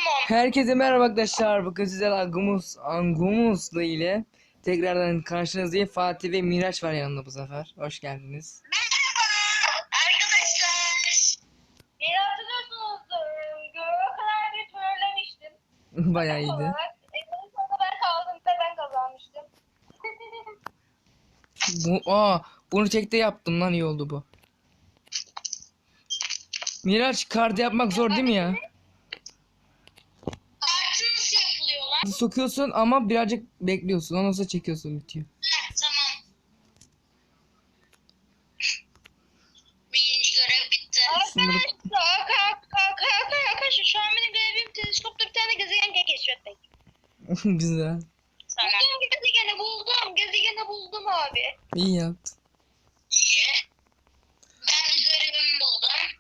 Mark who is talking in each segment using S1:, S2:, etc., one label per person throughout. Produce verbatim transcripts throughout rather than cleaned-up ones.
S1: Herkese merhaba arkadaşlar. Bugün sizler Angumus, Angumus'la ile tekrardan karşınızdayım. Fatih ve Miraç var yanında bu sefer. Hoş geldiniz.
S2: Merhaba arkadaşlar. Beni hatırlıyorsunuzdur. Göğe kadar bir trollemiştim.
S1: Bayağı iyiydi.
S2: En sonunda ben kaldım ve ben kazanmıştım.
S1: Bu, aa, bunu çekte yaptım lan, iyi oldu bu. Miraç, kart yapmak zor değil mi ya?
S2: Artı nasıl yapılıyorlar?
S1: Sokuyorsun ama birazcık bekliyorsun. Ondan sonra çekiyorsun, bitiyor.
S2: Ha, tamam. Birinci görev bitti.
S1: Sınırı...
S2: Arkadaşlar, arkadaşlar şu an benim görevim teleskopta bir tane gezegen keşfetmek.
S1: Güzel.
S2: Buldum gezegeni buldum. Gezegeni buldum abi.
S1: İyi yaptın.
S2: İyi. Ben de görevimi buldum.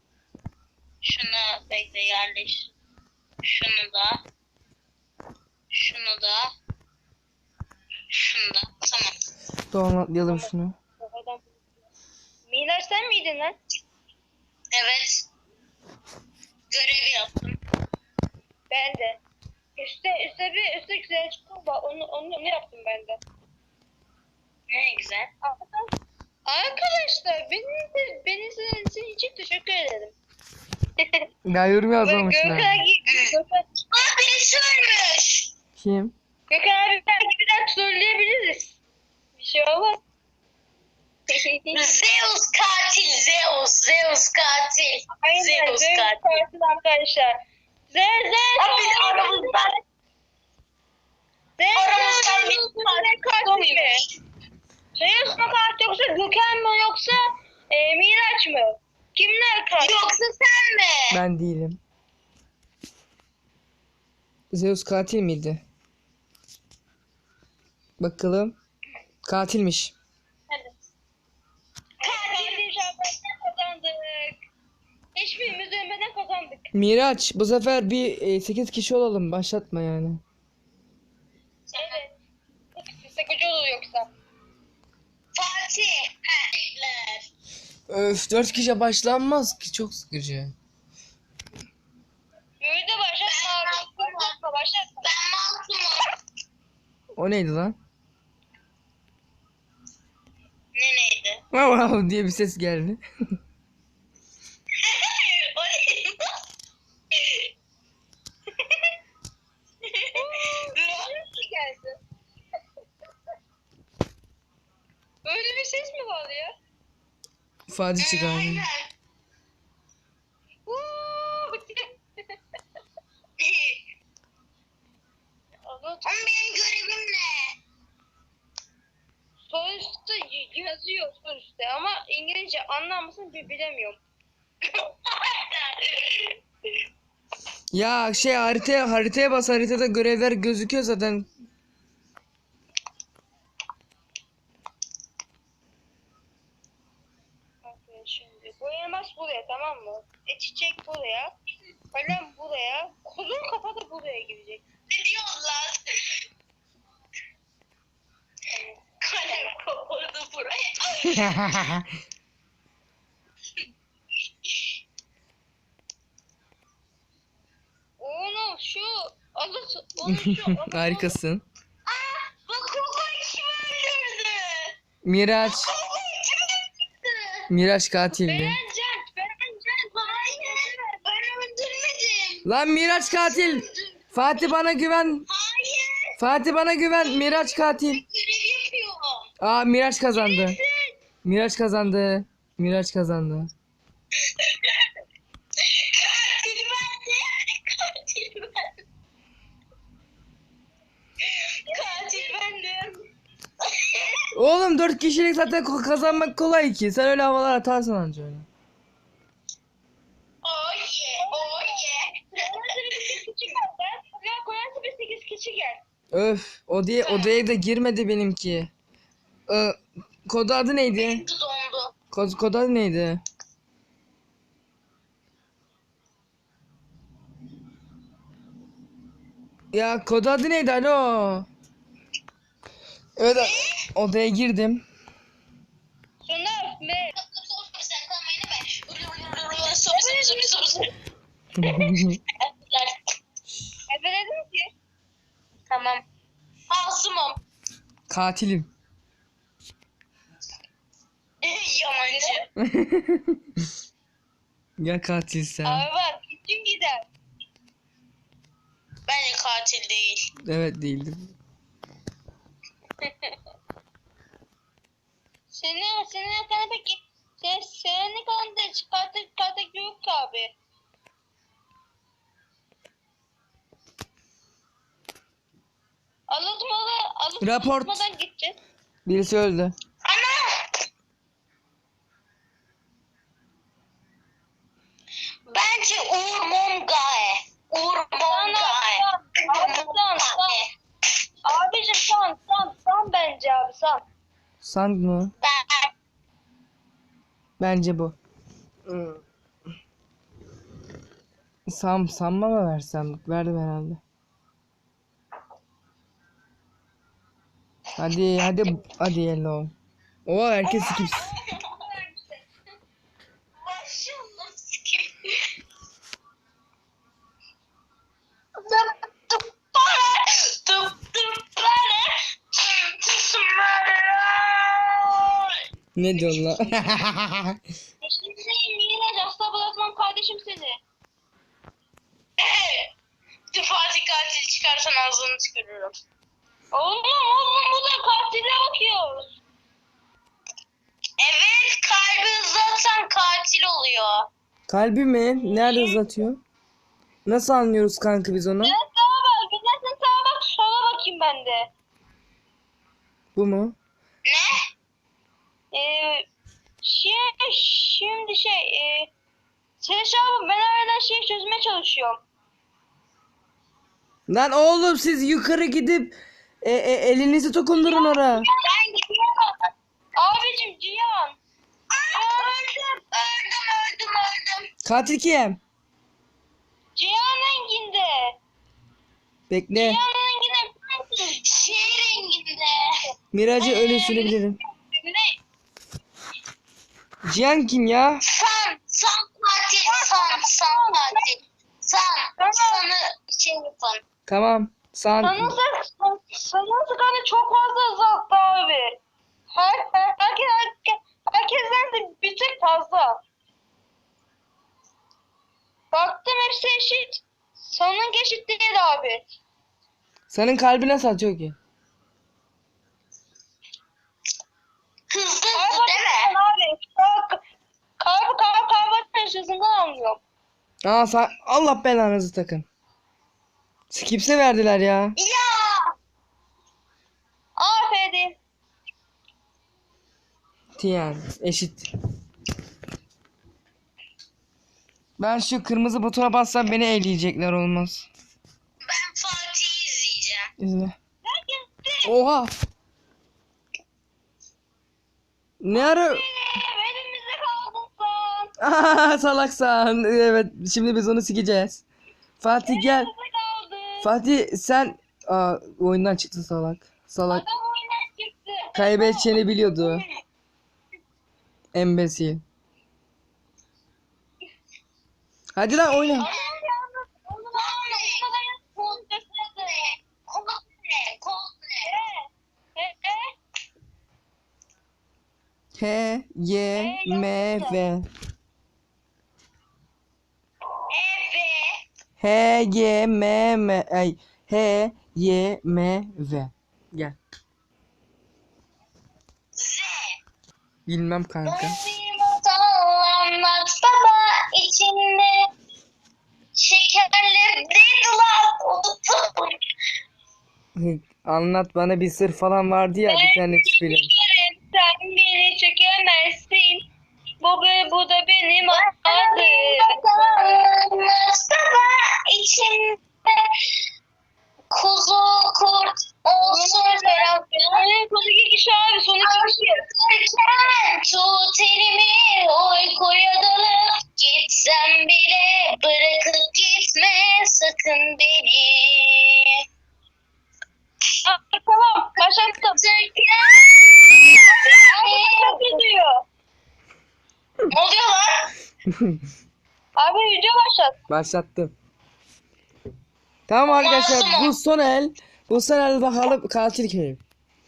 S2: Şunu bekle yerleş. Şunu da. Şunu da. Şunu da. Tamam.
S1: Tamam, atlayalım şunu.
S2: Miraç sen miydin lan? Evet. Görevi yaptım. Ben de. Üste üste bir üste güzel çıktı. Onu onu onu yaptım ben de. Ne güzel. Arkadaşlar benim de benim sizin için teşekkür ederim.
S1: Ya yorum yazmamışlar.
S2: Gökhan gibi. Aa birisi ölmüş.
S1: Kim?
S2: Gökhan abi belki bir daha trolleyebiliriz. Bir şey olmaz. Zeus katil, Zeus, Zeus katil. Aynen, Zeus, Zeus katil. katil arkadaşlar. Zeus, Zeus. Abi biz aramızdan. Zeus, aramızdan bir katil mi? Zeus mu katil yoksa Gökhan mı yoksa e, Miraç mı? Kimler katil? Yoksa sen mi?
S1: Ben değilim. Zeus katil miydi? Bakalım. Katilmiş.
S2: Hadi. Katil şarkısını kazandık. Hiçbirimiz ölmeden kazandık.
S1: Miraç, bu sefer bir e, sekiz kişi olalım. Başlatma yani.
S2: Evet. Sıkıcı olur yoksa. Fatih. Hehler.
S1: Öf, dört kişi başlanmaz ki, çok sıkıcı.
S2: Böyle de başlatma abi. Başlatma başlatma. Ben masumum.
S1: O neydi lan?
S2: Ne neydi?
S1: Wow wow diye bir ses geldi.
S2: O neydi? Nasıl geldi? Böyle bir ses mi var ya?
S1: Fatih çıkardı.
S2: Aynen. Ama benim görevim ne? Sol üstte y- yazıyor sol üstte ama İngilizce anlar mısın bi- bilemiyorum.
S1: Ya şey, haritaya haritaya bas, haritada görevler gözüküyor zaten.
S2: Bakın şimdi bu elmas buraya tamam mı? E çiçek buraya. Kalem buraya. Kuzun kafa da buraya girecek. Ne diyorsun lan? Kalem kapadı buraya. Onu şu alısı onu şu alısı.
S1: Harikasın.
S2: Aa, bak Koko'yu kim öldürdü?
S1: Miraç.
S2: Koko'yu kim öldürdü?
S1: Miraç katildi.
S2: Berencan, Berencan. Hayır, ben öldürmedim.
S1: Lan Miraç katil. Fatih bana güven.
S2: Hayır,
S1: Fatih bana güven. Miraç katil.
S2: görev yapıyorum.
S1: Aa, Miraç kazandı.
S2: Nesin?
S1: Miraç kazandı. Miraç kazandı.
S2: Katil bende. Katil bende. Katil bendim.
S1: Oğlum, dört kişilik zaten ko- kazanmak kolay ki. Sen öyle havalar atarsın anca öyle.
S2: Oh yeah, oh yeah. sekiz kişi gel. Ben buraya koyarsa bir sekiz kişi gel.
S1: Öf, odaya odaya da girmedi benimki. Ee, kod adı neydi?
S2: Dondu.
S1: Kod, kod adı neydi? Ya kod adı neydi? Alo. Evet, odaya girdim.
S2: Sonra ne? Sen kalmayın be. Tamam. Masumum.
S1: Katilim.
S2: Yalancı.
S1: Ya katilsen.
S2: Abi bak gittin gider. Bence katil değil.
S1: Evet değildim.
S2: Senin senin hakkında peki sen senin hakkında çıkartık çıkartık yok ki abi. Alıtmalı
S1: Raport.
S2: alıtmadan gideceğiz.
S1: Birisi öldü.
S2: Ana! Bence Uğur Mongae. Uğur Mongae. Abi san san. Abicim san san san bence abi san.
S1: Sand mı?
S2: Ben
S1: Bence bu. Sam sanma mı versem? Verdim herhalde. Hadi hadi hadi yellow. O herkes skip.
S2: Başımda sikeyim. Tıp tıp bana. Tıp tıp bana. Tıp tıp bana.
S1: Ne diyorsun lan?
S2: Şimdi yine hasta bırakmam kardeşim seni. Bütün Fatih katil çıkarsan ağzını çıkarırım. Oğlum oğlum bu da katile bakıyoruz. Evet kalbi hızlatsan katil oluyor.
S1: Kalbi mi? Nerede uzatıyor? Nasıl anlıyoruz kanka biz onu?
S2: Evet sağa bak. Gidersin sağa bak sola bakayım ben de.
S1: Bu mu?
S2: Ne? Ee, şey, şimdi şey e, Seleş abi ben hala şey çözmeye çalışıyorum.
S1: Lan oğlum siz yukarı gidip e, e, elinizi dokundurun oraya.
S2: Ben gidiyorum. Abicim Cihan. Cihan öldüm. Öldüm öldüm öldüm.
S1: Katil kim?
S2: Cihan renginde.
S1: Bekle.
S2: Cihan renginde. Şey renginde.
S1: Miracı ölüsünü bilirim. Cihan kim ya?
S2: San. San katil. San. San katil. San. Sanı şey yapın.
S1: Tamam. San.
S2: Sanın sanın sıkanı çok fazla azalttı abi. Her, her, herkes, herkes, herkesten de bir tek fazla. Baktım hepsi eşit. Sanın eşit değil abi.
S1: Senin kalbi nasıl atıyor ki?
S2: Hızlı hızlı değil mi? Abi. Kalp, kalp, kalp, kalp hızından anlıyorum.
S1: Aa sa- Allah belanızı takın. Skips'e verdiler ya.
S2: Ya. Aferin.
S1: Tiyan eşit. Ben şu kırmızı butona bassam beni eleyecekler olmaz.
S2: Ben Fatih'i izleyeceğim.
S1: İzle.
S2: Ben gitti.
S1: Oha. Ne ara?
S2: Elimizde kaldın sen.
S1: Aha, salaksan. Evet şimdi biz onu sikeceğiz. Fatih gel.
S2: Elimizde kaldın.
S1: Fatih sen Aa, oyundan çıktı salak. Salak.
S2: Adam oyundan çıktı.
S1: Kaybedeceğini biliyordu. Embesil. Hadi lan oyna.
S2: Adam yalnız onu anlamadan konuşmadı. Kod ne? Kod ne? E, e,
S1: H Y M V.
S2: evet.
S1: H Y M M ay H Y M V. Gel.
S2: Z.
S1: Bilmem kanka.
S2: Bir masal anlat baba içinde şekerler değil lan unuttum.
S1: Anlat bana bir sır falan vardı ya bir tane film.
S2: Şekerim, sen beni çekemezsin. Bu, be- bu da benim adım. Baba içinde kuzu kurt olsun. Yani son iki kişi abi son iki kişi. Tut elimi uykuya dalıp gitsem bile bırakıp gitme sakın beni. Aa, tamam başlattım. Abi gidiyor. Ne oluyor lan? Abi video başlat.
S1: Başlattım. Tamam arkadaşlar bu son el. Bulsana hadi bakalım katil kim?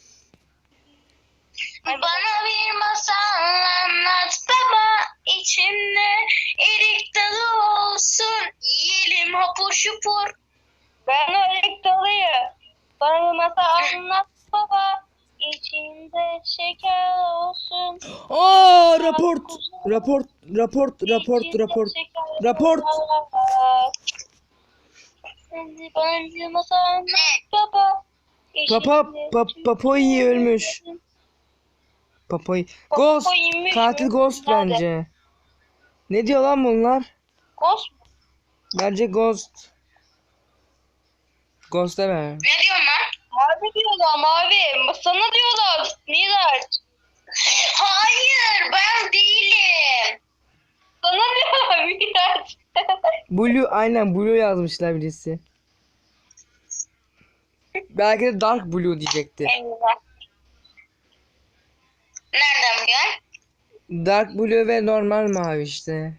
S2: Bana bir masal anlat baba, içimde erik dalı olsun, yiyelim hapur şupur. Ben o erik dalıyım. Bana bir masal anlat baba, içinde şeker olsun.
S1: Aa raport. Raport raport raport
S2: İçinde
S1: raport.
S2: şeker
S1: Raport.
S2: var. Şimdi bana bir masal anlat baba.
S1: Papa
S2: içinde
S1: pa, Papoyi ölmüş.
S2: olsun.
S1: Papoyi. Ghost.
S2: Papoyiymiş
S1: Katil
S2: mi?
S1: Ghost
S2: Nerede?
S1: bence. Ne diyor lan bunlar?
S2: Ghost mu?
S1: Bence Ghost. Ghost deme.
S2: Ne diyorsun lan? Mavi diyorlar mavi. Sana diyorlar. Miraç. Hayır ben değilim. Sana diyorlar Miraç.
S1: Blue aynen Blue yazmışlar birisi. Belki de Dark Blue diyecekti.
S2: Eyvah. Nereden biliyorsun?
S1: Dark Blue ve normal mavi işte.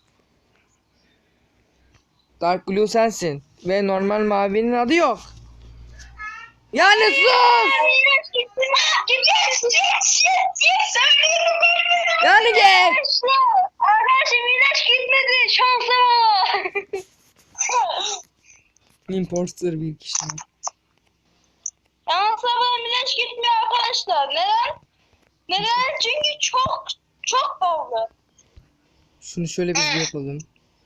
S1: Dark Blue sensin. Ve normal mavinin adı yok. Yani sus!
S2: Miraç gitme. Git git git git. Söyledim ben.
S1: Yani git!
S2: Arkadaşım Miraç gitmedi. Şansa bak.
S1: Imposter bir kişi.
S2: Şansa bak Miraç gitmiyor arkadaşlar. Neden? Neden? Çünkü çok çok pahalı.
S1: Şunu şöyle bir yapalım.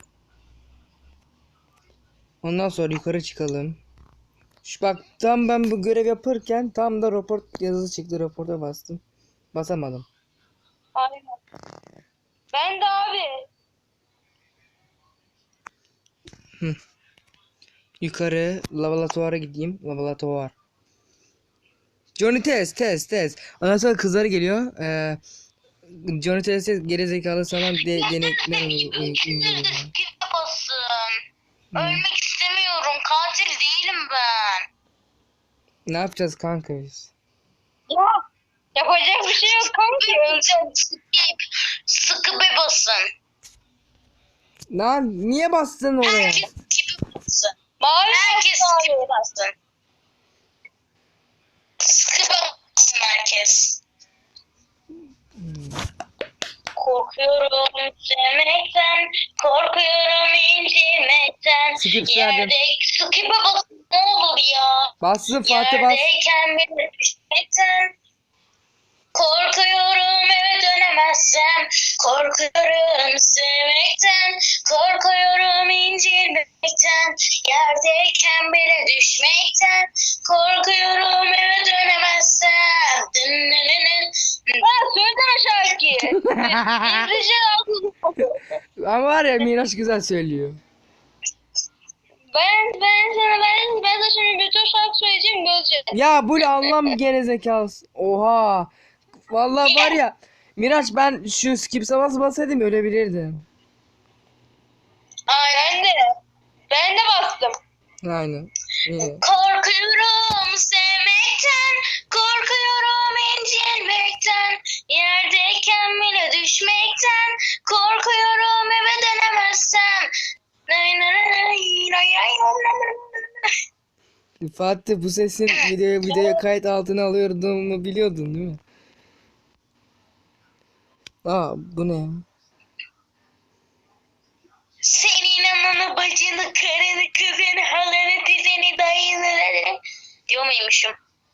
S1: Ondan sonra yukarı çıkalım. Şu bak tam ben bu görev yaparken tam da rapor yazısı çıktı. Raporta bastım. Basamadım.
S2: Aynen. Ben de abi.
S1: Yukarı laboratuvara gideyim. Laboratuvar. Johnny test test test. Ondan sonra kızları geliyor. Ee, Johnny test geri zekalı sana de, denekler uyguluyor.
S2: Git basın. Ölmek istemiyorum. Katil değilim ben.
S1: Ne yapacağız kanka biz?
S2: Ya. Yapacak bir şey yok kanki. Öleceğim. Skip. Sıkı be basın.
S1: Lan niye bastın oraya?
S2: Herkes skip basın. Mavi herkes skip basın. Sıkı basın herkes. Korkuyorum sevmekten, korkuyorum incinmekten.
S1: Skip
S2: Yerde
S1: verdim.
S2: skip'e basın ne olur ya.
S1: Bastın Fatih bas.
S2: Yerdeyken bile düşmekten. Korkuyorum eve dönemezsem. Korkuyorum sevmekten. Korkuyorum incinmekten. Yerdeyken bile düşmekten. Korkuyorum eve dönemezsem. Dınnınının. Ha söylesene şarkıyı. İngilizce lazım.
S1: Ama var ya Miraç güzel söylüyor.
S2: Ben ben sana ben ben de şimdi bütün şarkı söyleyeceğim göreceğiz.
S1: Ya bu ne anlam gerizekalısı. Oha. Vallahi var ya. Miraç ben şu skip bas basaydım ölebilirdim.
S2: Aynen de. Ben de bastım.
S1: Aynen. İyi.
S2: Korkuyorum sevmekten, korkuyorum incinmekten, yerdeyken bile düşmekten, korkuyorum eve dönemezsem. Nay nay nay nay nay nay.
S1: Fatih bu sesin video videoya kayıt altına alıyordum biliyordun değil mi? Aa bu ne?
S2: Senin ananı, bacını, karını, kızını, halanı, tizeni, dayını diyor muymuşum?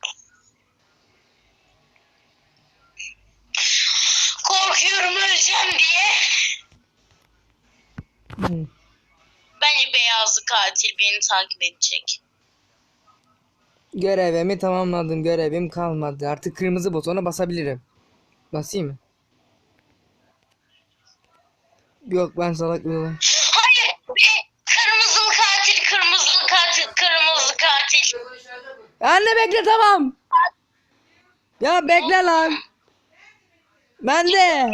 S2: Korkuyorum öleceğim diye.
S1: Hı.
S2: Bence beyazlı katil beni takip edecek.
S1: Görevimi tamamladım. Görevim kalmadı. Artık kırmızı butona basabilirim. Basayım mı? Yok ben salak değilim.
S2: Hayır be! Kırmızılı katil, kırmızılı katil, kırmızılı katil.
S1: Anne bekle tamam. Ya bekle lan. Ben de.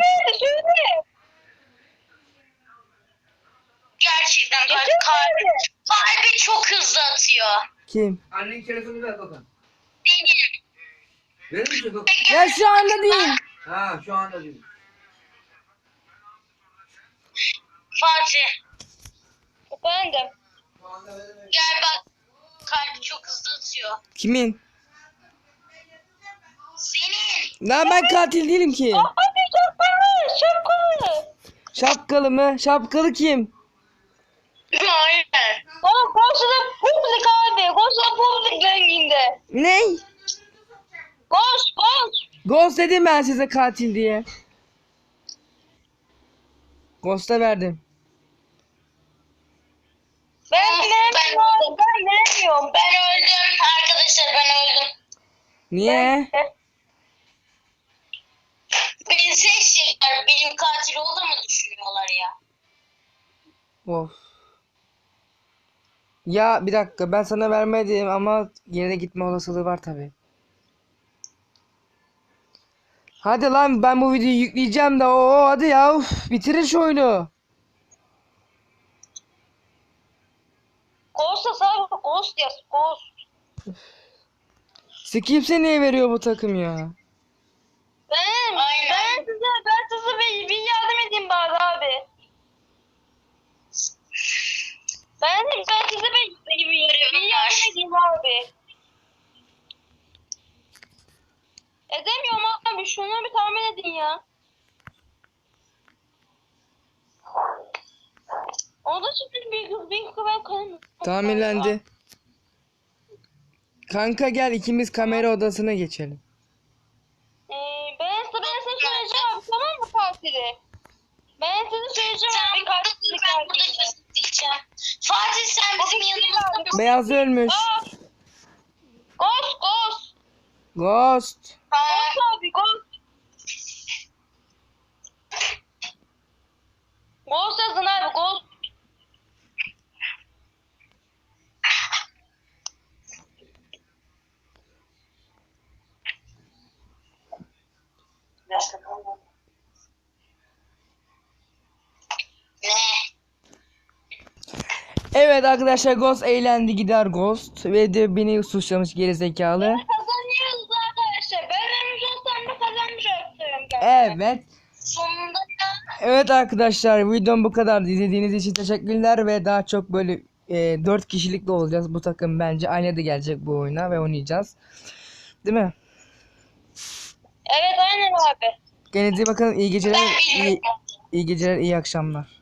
S2: Gerçekten kalbi, kalbi, kalbi çok hızlı atıyor.
S1: Kim?
S3: Annenin telefonu ver bakalım.
S2: Benim.
S3: Verir misin bakalım?
S1: Ya şu anda değil.
S3: Ha şu anda değil.
S2: Fatih. Efendim.
S3: Şu anda veremeyiz.
S2: Gel bak. Kalbi çok hızlı atıyor. atıyor.
S1: Kimin?
S2: Senin.
S1: Lan ben katil değilim ki.
S2: Hadi şapkalı şapkalı.
S1: Şapkalı mı? Şapkalı kim?
S2: Aynen. Oğlum koşuda publik abi. Koşuda publik renginde.
S1: Ney?
S2: Koş koş.
S1: Ghost dedim ben size katil diye. Ghost'a verdim.
S2: Ben veremiyorum. Ben veremiyorum. Ben öldüm. Arkadaşlar ben öldüm.
S1: Niye?
S2: Beni seçecekler. Benim katil olduğumu düşünüyorlar ya.
S1: Of. Ya bir dakika ben sana vermedim ama yine de gitme olasılığı var tabi. Hadi lan ben bu videoyu yükleyeceğim de o hadi ya uf, bitirin şu oyunu.
S2: Ghost'a sadece Ghost yaz. Ghost.
S1: Skips'e niye veriyor bu takım ya?
S2: Ben, ben size, ben size bir, bir yardım edeyim bari abi. Ben, ben size bir, bir, bir, bir yardım edeyim abi. Edemiyorum abi. Şunu bir tahmin edin ya. Onda şimdi bir kız, bir kız ben kalın.
S1: Tahminlendi. Kanka gel ikimiz kamera odasına geçelim.
S2: Ee, ben size, ben size söyleyeceğim abi, tamam mı katili? Ben size söyleyeceğim abi katili katili. Fatih sen bizim yanımızda.
S1: Beyaz ölmüş.
S2: Ghost, ghost.
S1: Ghost.
S2: Ghost abi, ghost. Ghost yazın abi, ghost. Ne?
S1: Evet arkadaşlar Ghost eğlendi gider Ghost ve de beni suçlamış gerizekalı.
S2: Kazanıyoruz arkadaşlar. Ben vermiş olsam da kazanmış oluyorum gerçekten.
S1: Evet.
S2: Sonunda ya.
S1: Evet arkadaşlar videom bu kadar. İzlediğiniz için teşekkürler ve daha çok böyle e, dört kişilikli olacağız. Bu takım bence aynı da gelecek bu oyuna ve oynayacağız. Değil mi?
S2: Evet aynen abi.
S1: Kendinize iyi bakın. İyi geceler.
S2: Ben
S1: iyi,
S2: bilmiyorum.
S1: iyi geceler, iyi akşamlar.